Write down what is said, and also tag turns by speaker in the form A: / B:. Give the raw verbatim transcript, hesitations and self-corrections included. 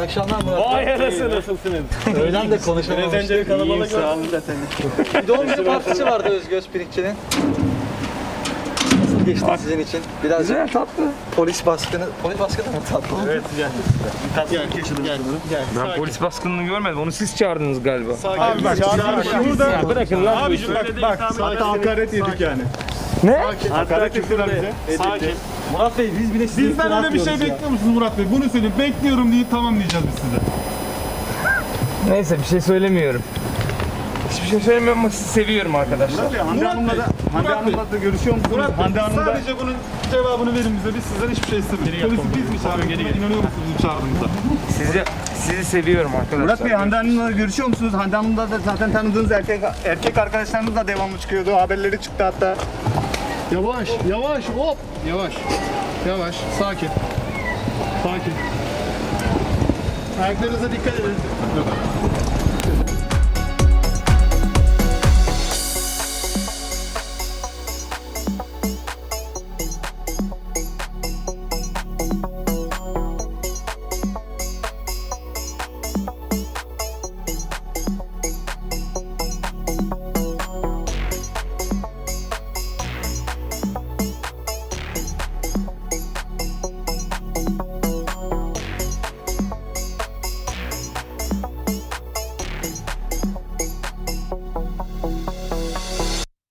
A: İyi akşamlar Murat.
B: Vay anasını, nasılsınız?
A: Öğlen de konuşamamıştık.
B: Biraz önce kalabalık
A: Sağ olun zaten. Bir doğum günü partisi vardı Özgü Özpirinççi'nin. Nasıl geçti sizin için? Biraz
B: Güzel, tatlı.
A: polis baskını, polis baskını mı tatlı?
B: Evet, güzel. Bir tatlı yaşadım sanırım. Ben polis baskınını görmedim, onu siz çağırdınız galiba.
C: Abi bak burada
B: Ya bırakın lan bu
C: abicim
B: işi.
C: bak bak hatta hakaret yedik yani.
B: Ne?
C: Hakaret ettiler bize.
B: Sakin.
A: Murat Bey biz bile sizi
C: Bizden öyle bir şey bekliyor musunuz Murat Bey? Bunu söyleyeyim. Bekliyorum diye tamam diyeceğiz biz size.
B: Neyse, bir şey söylemiyorum. Hiçbir şey söylemiyorum ama sizi seviyorum arkadaşlar.
C: Hande Hanım'la da Hande Hanım'la da görüşüyor musunuz?
D: Murat Bey,
C: Hande Hanım'la
D: sadece bunun cevabını verin bize. Biz sizden hiçbir şey istemiyoruz. Polisi biz mi çağırdık? Buna inanıyor musunuz bu çağırdığımıza?
B: Sizi, sizi seviyorum arkadaşlar.
C: Murat Bey, Hande Hanım'la görüşüyor musunuz? Hande Hanım'la da zaten tanıdığınız erkek erkek arkadaşlarınız da devamlı çıkıyordu. Haberleri çıktı hatta.
D: Yavaş, yavaş, hop. Yavaş, yavaş, sakin. Sakin. Ayaklarınıza dikkat edin.